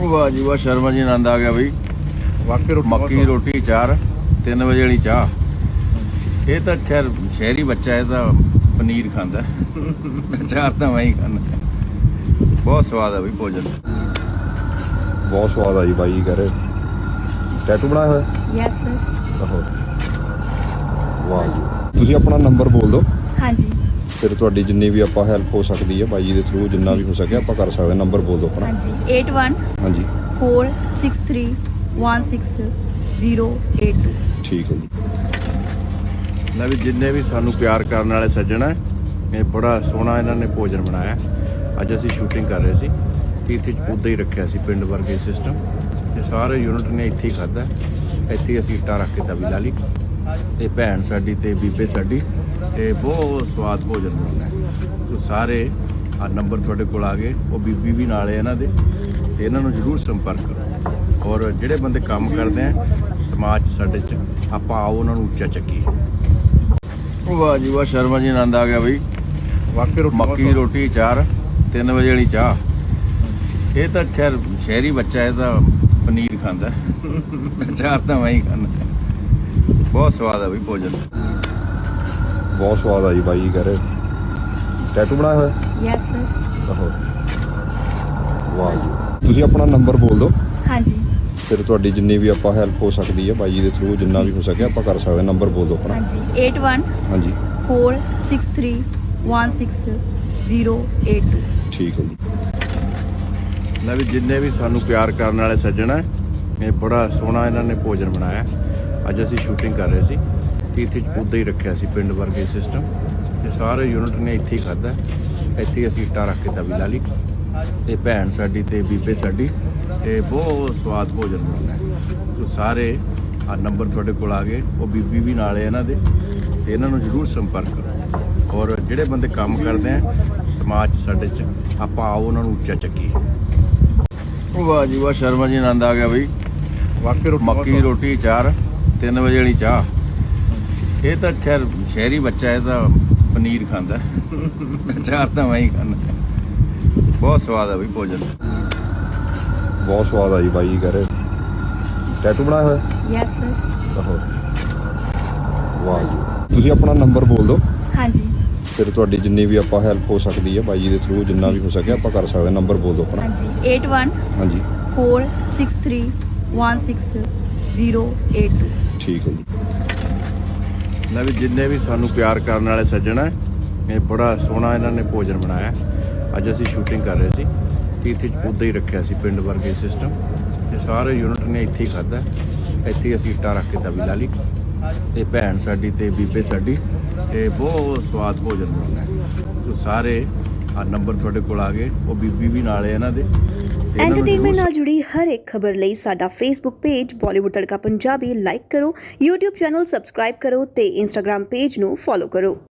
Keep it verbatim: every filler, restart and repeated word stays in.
वाह जी वाह, शर्मा जी आनंद आ गया बई। वाकई रोटी मक्की की रोटी चार तीन बजे वाली चाह। ये तो खैर शहरी बच्चा है तो पनीर खांदा चार तो मैं ही खाना। बहुत स्वाद है बई भोजन। बहुत स्वाद आ जी भाई कह रहे टैटू बनाया होया यस सर। आहो वाह जी ਤੁਸੀਂ ਆਪਣਾ ਨੰਬਰ ਬੋਲ ਦਿਓ ਹਾਂਜੀ ਫਿਰ ਤੁਹਾਡੀ ਜਿੰਨੀ ਵੀ ਆਪਾਂ ਹੈਲਪ ਹੋ ਸਕਦੀ ਹੈ ਬਾਈ ਜੀ ਦੇ ਥਰੂ ਜਿੰਨਾ ਵੀ ਹੋ ਸਕੇ ਆਪਾਂ ਕਰ ਸਕਦੇ ਨੰਬਰ ਬੋਲ ਦਿਓ ਆਪਣਾ ਹਾਂਜੀ eight one ਹਾਂਜੀ four six three one six zero eight two। ਠੀਕ ਹੈ ਜੀ ਲੈ ਵੀ ਜਿੰਨੇ ਵੀ ਸਾਨੂੰ ਪਿਆਰ ਕਰਨ ਵਾਲੇ ਸੱਜਣ ਹੈ, ਇਹ ਬੜਾ ਸੋਹਣਾ ਇਹਨਾਂ ਨੇ ਭੋਜਨ ਬਣਾਇਆ। ਅੱਜ ਅਸੀਂ ਸ਼ੂਟਿੰਗ ਕਰ ਰਹੇ ਸੀ ਤੇ ਇੱਥੇ ਉੱਦਾਂ ਹੀ ਰੱਖਿਆ ਸੀ ਪਿੰਡ ਵਰਗੇ ਸਿਸਟਮ ਤੇ ਸਾਰੇ ਯੂਨਿਟ ਨੇ ਇੱਥੇ ਹੀ ਖਾਧਾ। ਇੱਥੇ ਅਸੀਂ ਇੱਟਾਂ ਰੱਖ ਕੇ ਤਵੀ ਲਾ ਲਈ ਤੇ ਭੈਣ ਸਾਡੀ ਤੇ ਬੀਬੇ ਸਾਡੀ ਇਹ ਬਹੁਤ ਸਵਾਦ ਭੋਜਨ ਬਣਾਉਂਦਾ। ਸਾਰੇ ਆ ਨੰਬਰ ਤੁਹਾਡੇ ਕੋਲ ਆ ਗਏ, ਉਹ ਬੀਬੀ ਵੀ ਨਾਲ ਹੈ ਇਹਨਾਂ ਦੇ ਤੇ ਇਹਨਾਂ ਨੂੰ ਜ਼ਰੂਰ ਸੰਪਰਕ ਕਰੋ। ਔਰ ਜਿਹੜੇ ਬੰਦੇ ਕੰਮ ਕਰਦੇ ਆ ਸਮਾਜ 'ਚ ਸਾਡੇ 'ਚ ਆਪਾਂ ਆਓ ਉਹਨਾਂ ਨੂੰ ਉੱਚਾ ਚੱਕੀਏ। वाह जी वाह, शर्मा जी आनंद आ गया बई। ਵਾਕਈ ਰੋਟੀ मक्की की रोटी चार तीन बजे वाली चाह। ये तो खैर शहरी बच्चा है तो पनीर खांदा चार तो मैं ही खाना। बहुत स्वाद है बई भोजन। ਬਹੁਤ ਸਵਾਦ ਆ ਜੀ ਬਾਈ ਕਹ ਰਹੇ ਟੈਟੂ ਬਣਾਇਆ ਹੋਇਆ यस सर। ਆਹੋ ਵਾਹ ਜੀ ਤੁਸੀਂ ਆਪਣਾ ਨੰਬਰ ਬੋਲ ਦਿਓ ਹਾਂਜੀ ਫਿਰ ਤੁਹਾਡੀ ਜਿੰਨੀ ਵੀ ਆਪਾਂ ਹੈਲਪ ਹੋ ਸਕਦੀ ਹੈ ਬਾਈ ਜੀ ਦੇ ਥਰੂ ਜਿੰਨਾ ਵੀ ਹੋ ਸਕੇ ਆਪਾਂ ਕਰ ਸਕਦੇ ਨੰਬਰ ਬੋਲ ਦਿਓ ਆਪਣਾ ਹਾਂਜੀ eight one ਹਾਂਜੀ four six three one six zero eight two। ਠੀਕ ਹੈ ਜੀ ਲੈ ਵੀ ਜਿੰਨੇ ਵੀ ਸਾਨੂੰ ਪਿਆਰ ਕਰਨ ਵਾਲੇ ਸੱਜਣ ਹੈ, ਇਹ ਬੜਾ ਸੋਹਣਾ ਇਹਨਾਂ ਨੇ ਭੋਜਨ ਬਣਾਇਆ। ਅੱਜ ਅਸੀਂ ਸ਼ੂਟਿੰਗ ਕਰ ਰਹੇ ਸੀ ਤੇ ਇੱਥੇ ਉੱਦਾਂ ਹੀ ਰੱਖਿਆ ਸੀ ਪਿੰਡ ਵਰਗੇ ਸਿਸਟਮ ਤੇ ਸਾਰੇ ਯੂਨਿਟ ਨੇ ਇੱਥੇ ਹੀ ਖਾਧਾ। ਇੱਥੇ ਅਸੀਂ ਇੱਟਾਂ ਰੱਖ ਕੇ ਤਵੀ ਲਾ ਲਈ ਤੇ ਭੈਣ ਸਾਡੀ ਤੇ ਬੀਬੇ ਸਾਡੀ ਇਹ ਬਹੁਤ ਸਵਾਦ ਭੋਜਨ ਬਣਾਉਂਦਾ। ਸਾਰੇ ਆ ਨੰਬਰ ਤੁਹਾਡੇ ਕੋਲ ਆ ਗਏ, ਉਹ ਬੀਬੀ ਵੀ ਨਾਲ ਹੈ ਇਹਨਾਂ ਦੇ ਤੇ ਇਹਨਾਂ ਨੂੰ ਜ਼ਰੂਰ ਸੰਪਰਕ ਕਰੋ। ਔਰ ਜਿਹੜੇ ਬੰਦੇ ਕੰਮ ਕਰਦੇ ਆ ਸਮਾਜ 'ਚ ਸਾਡੇ 'ਚ ਆਪਾਂ ਆਓ ਉਹਨਾਂ ਨੂੰ ਉੱਚਾ ਚੱਕੀਏ। वाह जी वाह, शर्मा जी आनंद आ गया बई। ਵਾਕਈ ਰੋਟੀ मक्की की रोटी चार तीन बजे वाली चाह। ये तो खैर शहरी बच्चा है तो पनीर खांदा चार तो मैं ही खाना। बहुत स्वाद है बई भोजन। ਬਹੁਤ ਸਵਾਦ ਆ ਜੀ ਬਾਈ ਕਹ ਰਹੇ ਟੈਟੂ ਬਣਾਇਆ ਹੋਇਆ यस सर। ਆਹੋ ਵਾਹ ਜੀ ਤੁਸੀਂ ਆਪਣਾ ਨੰਬਰ ਬੋਲ ਦਿਓ ਹਾਂਜੀ ਫਿਰ ਤੁਹਾਡੀ ਜਿੰਨੀ ਵੀ ਆਪਾਂ ਹੈਲਪ ਹੋ ਸਕਦੀ ਹੈ ਬਾਈ ਜੀ ਦੇ ਥਰੂ ਜਿੰਨਾ ਵੀ ਹੋ ਸਕੇ ਆਪਾਂ ਕਰ ਸਕਦੇ ਨੰਬਰ ਬੋਲ ਦਿਓ ਆਪਣਾ ਹਾਂਜੀ eight one ਹਾਂਜੀ four six three one six zero eight two। ਠੀਕ ਹੈ ਜੀ ਲੈ ਵੀ ਜਿੰਨੇ ਵੀ ਸਾਨੂੰ ਪਿਆਰ ਕਰਨ ਵਾਲੇ ਸੱਜਣ ਹੈ, ਇਹ ਬੜਾ ਸੋਹਣਾ ਇਹਨਾਂ ਨੇ ਭੋਜਨ ਬਣਾਇਆ। ਅੱਜ ਅਸੀਂ ਸ਼ੂਟਿੰਗ ਕਰ ਰਹੇ ਸੀ ਤੇ ਇੱਥੇ ਉੱਦਾਂ ਹੀ ਰੱਖਿਆ ਸੀ ਪਿੰਡ ਵਰਗੇ ਸਿਸਟਮ ਤੇ ਸਾਰੇ ਯੂਨਿਟ ਨੇ ਇੱਥੇ ਹੀ ਖਾਧਾ। ਇੱਥੇ ਅਸੀਂ ਇੱਟਾਂ ਰੱਖ ਕੇ ਤਵੀ ਲਾ ਲਈ ਤੇ ਭੈਣ ਸਾਡੀ ਤੇ ਬੀਬੇ ਸਾਡੀ ਇਹ ਬਹੁਤ ਸਵਾਦ ਭੋਜਨ ਬਣਾਉਂਦਾ। ਸਾਰੇ ਆ ਨੰਬਰ ਤੁਹਾਡੇ ਕੋਲ ਆ ਗਏ, ਉਹ ਬੀਬੀ ਵੀ ਨਾਲ ਹੈ ਇਹਨਾਂ ਦੇ ਤੇ ਇਹਨਾਂ ਨੂੰ ਐਂਟਰਟੇਨਮੈਂਟ ਜ਼ਰੂਰ ਨਾਲ ਜੁੜੀ ਹਰ ਇੱਕ ਖਬਰ ਲਈ ਸਾਡਾ Facebook page Bollywood Tadka Punjabi like ਕਰੋ, YouTube ਚੈਨਲ ਸਬਸਕ੍ਰਾਈਬ ਕਰੋ ਤੇ Instagram ਪੇਜ ਨੂੰ ਫੋਲੋ ਕਰੋ।